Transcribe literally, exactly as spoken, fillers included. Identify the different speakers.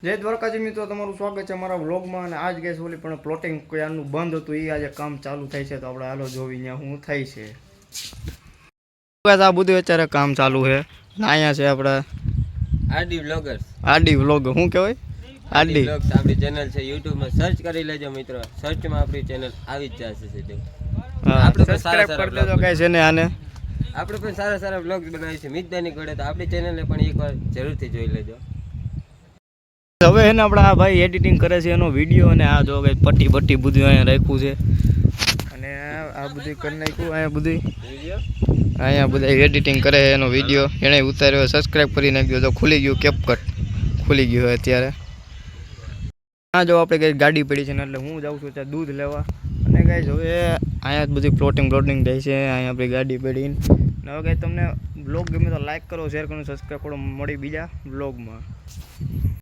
Speaker 1: જય દ્વારકાજી મિત્રો, તમારું સ્વાગત છે અમારા વ્લોગમાં. અને આજ ગેસ ઓલી પણ પ્લોટિંગ ક્યારનું બંધ હતું, એ આજે કામ ચાલુ થાય છે. તો આપણે હાલો જોવી ત્યાં શું થાય છે. આ બધું અત્યારે કામ ચાલુ છે. અહીંયા છે આપણે
Speaker 2: આરડી વ્લોગર્સ.
Speaker 1: આરડી વ્લોગ શું કહેવાય? આરડી
Speaker 2: વ્લોગ્સ આપણી ચેનલ છે, યુટ્યુબમાં સર્ચ કરી લેજો મિત્રો. સર્ચમાં આપણી ચેનલ આવી જ જશે સીધું. આપણે પણ સારા
Speaker 1: સબસ્ક્રાઇબ કરી દેજો ગાઈસ એને. આને
Speaker 2: આપણે પણ સારા સારા વ્લોગ્સ બનાવીએ છીએ મિતદાની ઘોડે, તો આપણી ચેનલને પણ એકવાર જરૂરથી જોઈ લેજો.
Speaker 1: હવે એને આપણે આ ભાઈ એડિટિંગ કરે છે એનો વિડીયો, અને આ જો કંઈ પટ્ટી પટ્ટી બધું અહીંયા રાખ્યું છે. અને આ બધું કરી નાખ્યું અહીંયા બધું અહીંયા બધા એડિટિંગ કરે છે એનો વિડીયો એણે ઉતાર્યો. સબસ્ક્રાઇબ કરી નાખ્યો. તો ખુલી ગયું, કેપકટ ખુલી ગયું હોય અત્યારે. હા જો આપણે કંઈ ગાડી પડી છે ને, એટલે હું જાઉં છું ત્યાં દૂધ લેવા. અને કાંઈ હવે અહીંયા જ બધી પ્લોટિંગ પ્લોટિંગ થાય છે. અહીંયા આપણી ગાડી પડીને હવે કાંઈ તમને બ્લોગ ગમે તો લાઈક કરો, શેર કરો, સબસ્ક્રાઈબ કરો. મળી બીજા બ્લોગમાં.